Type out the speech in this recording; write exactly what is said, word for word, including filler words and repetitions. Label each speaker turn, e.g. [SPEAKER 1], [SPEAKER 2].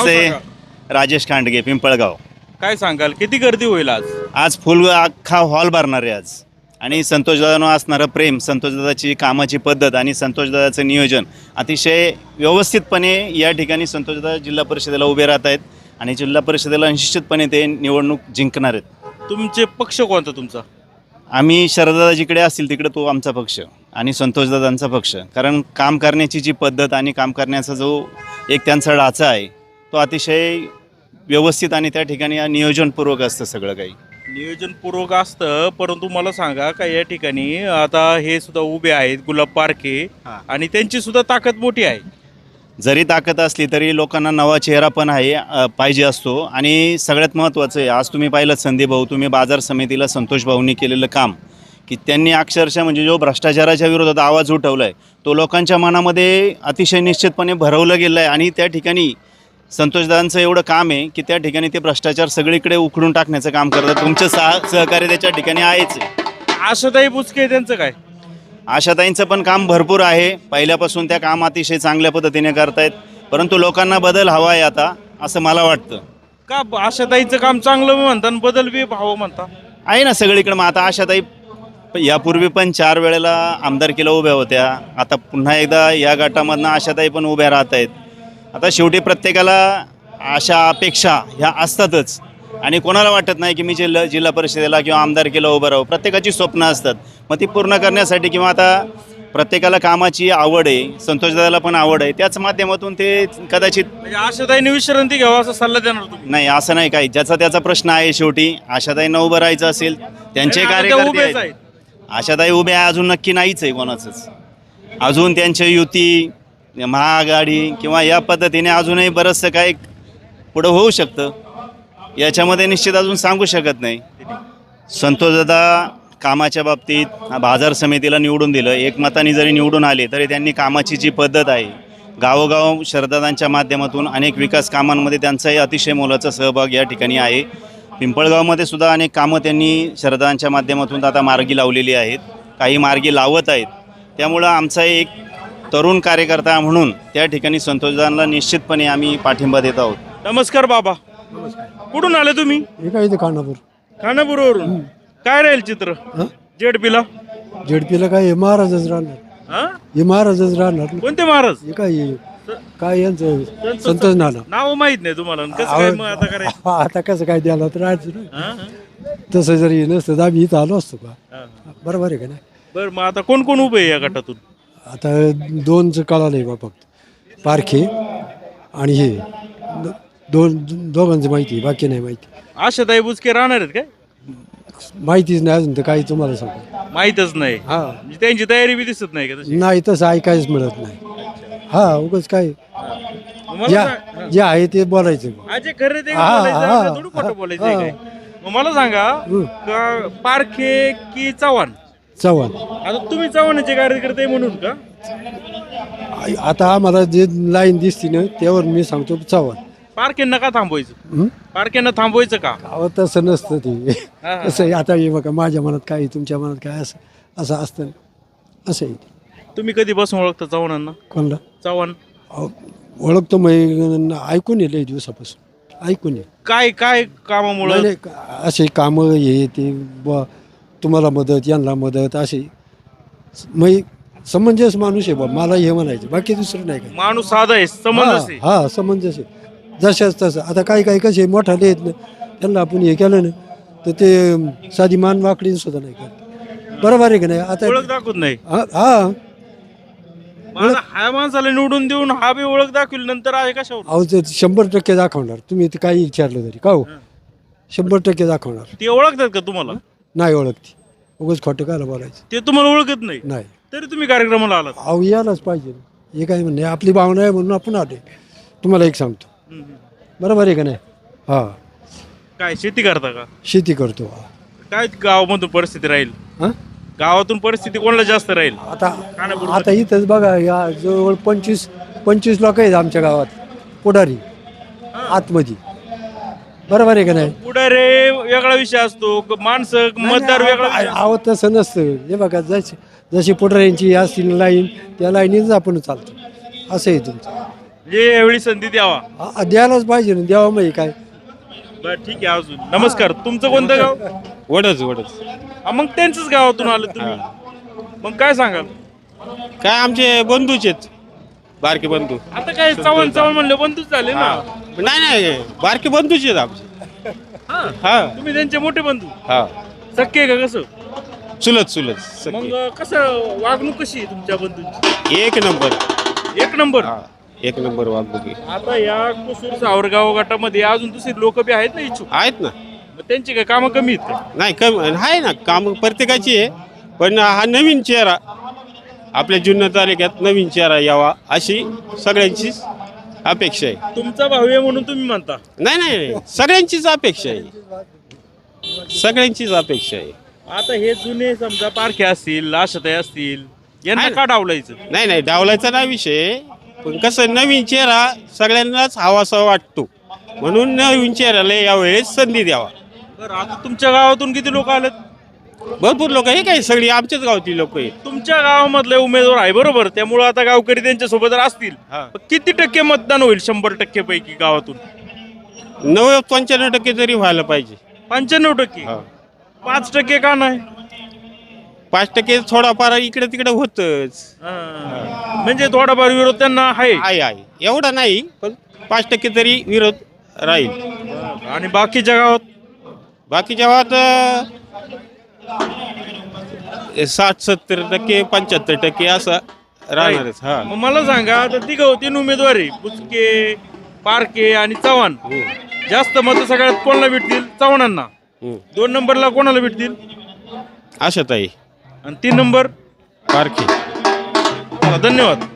[SPEAKER 1] नमस्ते. राजेश खांडगे, पिंपळगाव.
[SPEAKER 2] काय सांगाल, किती गर्दी होईल आज?
[SPEAKER 1] आज फुल अख्खा हॉल भरणार आहे आज. आणि संतोषदादांवर असणारं प्रेम, संतोषदादाची कामाची पद्धत आणि संतोषदादाचं नियोजन अतिशय व्यवस्थितपणे या ठिकाणी संतोषदादा जिल्हा परिषदेला उभे राहत आहेत आणि जिल्हा परिषदेला निश्चितपणे ते निवडणूक जिंकणार आहेत.
[SPEAKER 2] तुमचे पक्ष कोणता तुमचा?
[SPEAKER 1] आम्ही शरददादा जिकडे असतील तिकडे तो आमचा पक्ष आणि संतोषदादांचा पक्ष. कारण काम करण्याची जी पद्धत आणि काम करण्याचा जो एक त्यांचा ढाचा आहे तो अतिशय व्यवस्थित आणि त्या ठिकाणी नियोजनपूर्वक असतं सगळं काही.
[SPEAKER 2] नियोजनपूर्वक असतं, परंतु मला सांगा का या ठिकाणी आता हे सुद्धा उभे आहेत गुलाब पारखे आणि त्यांची सुद्धा ताकद मोठी आहे.
[SPEAKER 1] जरी ताकद असली तरी लोकांना नवा चेहरा पण आहे अ, पाहिजे असतो. आणि सगळ्यात महत्त्वाचं आहे, आज तुम्ही पाहिलं संदीप भाऊ, तुम्ही बाजार समितीला संतोष भाऊंनी केलेलं काम की त्यांनी अक्षरशः म्हणजे जो भ्रष्टाचाराच्या विरोधात आवाज उठवला आहे तो लोकांच्या मनामध्ये अतिशय निश्चितपणे भरवलं गेलं आहे. आणि त्या ठिकाणी संतोषदादांचं एवढं काम आहे की त्या ठिकाणी ते भ्रष्टाचार सगळीकडे उखडून टाकण्याचं काम करतात. तुमचं सह सहकार्य त्याच्या ठिकाणी आहेच आहे.
[SPEAKER 2] आशाताई बुचके त्यांचं काय?
[SPEAKER 1] आशाताईंचं पण काम भरपूर आहे. पहिल्यापासून त्या काम अतिशय चांगल्या पद्धतीने करतायत, परंतु लोकांना बदल हवा आहे आता असं मला वाटतं.
[SPEAKER 2] का आशाताईचं काम चांगलं म्हणता आणि बदल बी भाव म्हणता?
[SPEAKER 1] आहे ना सगळीकडे. मग आता आशाताई यापूर्वी पण चार वेळेला आमदारकीला उभ्या होत्या, आता पुन्हा एकदा या गटामधनं आशाताई पण उभ्या राहत आहेत. आता शेवटी प्रत्येकाला आशा अपेक्षा ह्या असतातच आणि कोणाला वाटत नाही की मी जिल्हा जिल्हा परिषदेला किंवा आमदारकीला उभं राहू. प्रत्येकाची स्वप्न असतात, मग ती पूर्ण करण्यासाठी किंवा आता प्रत्येकाला कामाची आवड आहे, संतोषदादाला पण आवड आहे, त्याच माध्यमातून ते कदाचित.
[SPEAKER 2] म्हणजे आशाताईने विश्रांती घ्यावा असा सल्ला देणार तुम्ही?
[SPEAKER 1] नाही असं नाही काही, ज्याचा त्याचा प्रश्न आहे. शेवटी आशाताईंना उभं राहायचं असेल त्यांचे कार्यकर्ते आहेत. आशाताई उभ्या अजून नक्की नाहीच आहे कोणाचंच. अजून त्यांच्या युती, महाआघाडी किंवा या पद्धतीने अजूनही बरंचसं काही पुढं होऊ शकतं, याच्यामध्ये निश्चित अजून सांगू शकत नाही. संतोषदादा कामाच्या बाबतीत बाजार समितीला निवडून दिलं, एकमताने जरी निवडून आले तरी त्यांनी कामाची जी पद्धत आहे, गावोगाव शरदादांच्या माध्यमातून अनेक विकास कामांमध्ये त्यांचाही अतिशय मोलाचा सहभाग या ठिकाणी आहे. पिंपळगावमध्ये सुद्धा अनेक कामं त्यांनी शरदांच्या माध्यमातून आता मार्गी लावलेली आहेत, काही मार्गी लावत आहेत. त्यामुळं आमचा एक तरुण कार्यकर्ता म्हणून त्या ठिकाणी संतोषदादांना निश्चितपणे आम्ही पाठिंबा देत आहोत.
[SPEAKER 2] नमस्कार बाबा. कुठून आले तुम्ही?
[SPEAKER 3] काय इथे खानापूर.
[SPEAKER 2] खानापूरवरून. काय राहील चित्र जेडपीला?
[SPEAKER 3] जेडपीला काय हे महाराजच राहणार.
[SPEAKER 2] हा?
[SPEAKER 3] हे महाराजच राहणार.
[SPEAKER 2] कोणते महाराज?
[SPEAKER 3] हे काय हे? काय यांचं संतोष नाना.
[SPEAKER 2] नाव माहित नाही तुम्हाला? कसं काय मग आता करायचं?
[SPEAKER 3] आता कसं काय द्यायला तर राहायचं ना.
[SPEAKER 2] हा, हा.
[SPEAKER 3] तसं जरी नसतं तर आम्ही इथं आलो असतो का. बरोबर आहे का नाही?
[SPEAKER 2] बरं, मग आता कोण कोण उभे आहे या गटातून?
[SPEAKER 3] आता दोनच कळालं आहे बा फक्त, पारखे आणि हे दो- दोन दोघांचं माहिती आहे, बाकी नाही माहिती.
[SPEAKER 2] आशाताई बुचके राहणार आहेत काय?
[SPEAKER 3] माहितीच नाही अजून तर काही तुम्हाला सांगू.
[SPEAKER 2] माहीतच नाही.
[SPEAKER 3] हा
[SPEAKER 2] म्हणजे त्यांची तयारी बी दिसत नाही का तशी?
[SPEAKER 3] नाही तसं ऐकायच मिळत नाही. हा उगाच काय
[SPEAKER 2] मला
[SPEAKER 3] ज्या
[SPEAKER 2] सांग-
[SPEAKER 3] जे आहे ते बोलायचं.
[SPEAKER 2] अजय खरे ते
[SPEAKER 3] हा,
[SPEAKER 2] बोलायचं,
[SPEAKER 3] हा,
[SPEAKER 2] आपलं थोडं खोटं
[SPEAKER 3] हा,
[SPEAKER 2] बोलायचं आहे
[SPEAKER 3] हा.
[SPEAKER 2] काय? मग मला सांगा,
[SPEAKER 3] हं.
[SPEAKER 2] का पारखे की चव्हाण?
[SPEAKER 3] चव्हाण.
[SPEAKER 2] आता तुम्ही चव्हाणाचे कार्यकर्ते म्हणून का?
[SPEAKER 3] आ- आता आम्हाला जे लाईन दिसते ना त्यावर मी सांगतो चव्हाण.
[SPEAKER 2] पारखेंना का थांबवायचं?
[SPEAKER 3] हं?
[SPEAKER 2] पारखेंना थांबवायचं का?
[SPEAKER 3] अहो तसं नसतं ते.
[SPEAKER 2] हा, हा.
[SPEAKER 3] कसं आहे आता हे बघा, माझ्या मनात काय तुमच्या मनात काय असं असं असतं असं आहे.
[SPEAKER 2] तुम्ही कधी बसून ओळखता चव्हाणांना?
[SPEAKER 3] कोणला
[SPEAKER 2] चव्हाण
[SPEAKER 3] अहो, ओळखतो मग ऐकून ये लई दिवसापासून ऐकून ये.
[SPEAKER 2] काय काय कामामुळे?
[SPEAKER 3] नाही, नाही, असे कामं हे ते बुवा तुम्हाला मदत यांना मदत असे मग समंजस माणूस आहे बा, मला हे म्हणायचं, बाकी दुसरं नाही काय.
[SPEAKER 2] माणूस साधा आहे, समंजस आहे.
[SPEAKER 3] हा हा, समंजस आहे. जशाच तसं आता काही काही कसे मोठाले आहेत ना, त्यांना आपण हे केलं ना तर ते साधी मान वाकडी सुद्धा नाही करत. बरोबर आहे की नाही? आता
[SPEAKER 2] ओळख दाखवत नाही.
[SPEAKER 3] हा हा
[SPEAKER 2] माझा हा माणसाला निवडून देऊन हा बी ओळख दाखवली, नंतर आहे कशावर?
[SPEAKER 3] अहो ते शंभर टक्के दाखवणार. तुम्ही ते काही विचारलं तरी का हो, शंभर टक्के दाखवणार.
[SPEAKER 2] ते ओळखतात का तुम्हाला?
[SPEAKER 3] नाही ओळखती, उगाच खोटं कायला बोलायचं.
[SPEAKER 2] ते तुम्हाला ओळखत नाही
[SPEAKER 3] नाही.
[SPEAKER 2] तरी तुम्ही कार्यक्रमाला आलात.
[SPEAKER 3] अहो यायलाच पाहिजे. हे काय म्हणणे आपली भावना आहे म्हणून आपण आले. तुम्हाला एक सांगतो,
[SPEAKER 2] हम्म, हम्म.
[SPEAKER 3] बरोबर आहे का नाही? हा
[SPEAKER 2] काय शेती करता का?
[SPEAKER 3] शेती करतो.
[SPEAKER 2] काय गावामधून परिस्थिती राहील?
[SPEAKER 3] हा
[SPEAKER 2] गावातून परिस्थिती कोणाला जास्त राहील?
[SPEAKER 3] आता आता इथंच बघा, या जवळ पंचवीस पंचवीस लोक आहेत आमच्या गावात पुढारी आतमध्ये. बरोबर आहे का नाही?
[SPEAKER 2] पुढारे वेगळा विषय असतो, माणसं मतदार वेगळा विषय असतो.
[SPEAKER 3] आवत तसं नसतं. हे बघा, जशी जशी पुढाऱ्यांची असतील लाईन त्या लाईनीच आपण चालतो, असं आहे तुमचं.
[SPEAKER 2] म्हणजे यावेळी संधी द्यावा.
[SPEAKER 3] आ- द्यायलाच पाहिजे ना, द्यावा माहिती काय.
[SPEAKER 2] बरं ठीक आहे. अजून नमस्कार, तुमचं कोणतं गाव?
[SPEAKER 4] वडच वडच
[SPEAKER 2] हा, मग त्यांच्याच गावातून आलं तुम्ही. मग काय सांगाल?
[SPEAKER 4] काय आमचे बंधूच आहेत, बारके बंधू.
[SPEAKER 2] आता काय चव्हाण चव्हाण म्हणलं बंधूच झाले ना.
[SPEAKER 4] नाही नाही बारके बंधूच आहेत आमचे.
[SPEAKER 2] हा.
[SPEAKER 4] हा
[SPEAKER 2] तुम्ही त्यांचे मोठे बंधू
[SPEAKER 4] हा
[SPEAKER 2] सक्के का कसं?
[SPEAKER 4] चुलत चुलत
[SPEAKER 2] मग
[SPEAKER 4] सगळे.
[SPEAKER 2] कसं वागणूक कशी आहे तुमच्या बंधूंची?
[SPEAKER 4] एक नंबर.
[SPEAKER 2] एक नंबर.
[SPEAKER 4] हा एक नंबर वागणुकी
[SPEAKER 2] आता या कुसूर सावरगाव गटामध्ये अजून दुसरी लोक बी आहेत ना इच्छुक,
[SPEAKER 4] आहेत ना.
[SPEAKER 2] मग त्यांची काय कामं कमी आहेत का?
[SPEAKER 4] नाही कम आहे ना, काम प्रत्येकाची आहे, पण हा नवीन चेहरा आपल्या जुन्नर तालुक्यात नवीन चेहरा यावा अशी सगळ्यांचीच अपेक्षा आहे.
[SPEAKER 2] तुमचा भाऊ आहे म्हणून तुम्ही म्हणता.
[SPEAKER 4] नाही नाही सगळ्यांचीच अपेक्षा आहे, सगळ्यांचीच अपेक्षा आहे.
[SPEAKER 2] आता हे जुने समजा पारखे असतील, आशाताई असतील, यांना
[SPEAKER 4] आहे ना.
[SPEAKER 2] का डावलायचं?
[SPEAKER 4] नाही नाही डावलायचा नाही विषय, पण कसं नवीन चेहरा सगळ्यांनाच हवासा वाटतो, म्हणून नवीन चेहऱ्याला यावेळेस संधी द्यावा.
[SPEAKER 2] बरं, आता तुमच्या गावातून किती लोक आलेत?
[SPEAKER 4] भरपूर लोक हे काय सगळी आमच्याच गावची लोक आहेत.
[SPEAKER 2] तुमच्या गावामधले उमेदवार आहे बरोबर, त्यामुळे आता गावकरी त्यांच्या सोबत असतील.
[SPEAKER 4] हा.
[SPEAKER 2] पण किती टक्के मतदान होईल शंभर टक्के पैकी गावातून?
[SPEAKER 4] नव्वद पंच्याण्णव टक्के तरी व्हायला पाहिजे.
[SPEAKER 2] पंच्याण्णव टक्के.
[SPEAKER 4] हा.
[SPEAKER 2] पाच टक्के का नाही?
[SPEAKER 4] पाच टक्के थोडाफार इकडे तिकडे होतच
[SPEAKER 2] हा. म्हणजे थोडाफार विरोध त्यांना आहे.
[SPEAKER 4] आहे आहे एवढा नाही, पण पाच टक्के तरी विरोध राहील.
[SPEAKER 2] आणि बाकीच्या गावात
[SPEAKER 4] बाकीच्या गावात अं, साठ सत्तर टक्के पंच्याहत्तर टक्के असं राहणारच. हा
[SPEAKER 2] मग मला सांगा, आता तिघ तीन उमेदवार आहे, बुचके, पारके आणि चव्हाण.
[SPEAKER 4] हम्म,
[SPEAKER 2] जास्त मत सगळ्यात कोणाला भेटतील? चव्हाणांना.
[SPEAKER 4] हम्म.
[SPEAKER 2] दोन नंबरला कोणाला भेटतील?
[SPEAKER 4] आशाताई
[SPEAKER 2] आणि तीन नंबर?
[SPEAKER 4] पारखी.
[SPEAKER 2] धन्यवाद.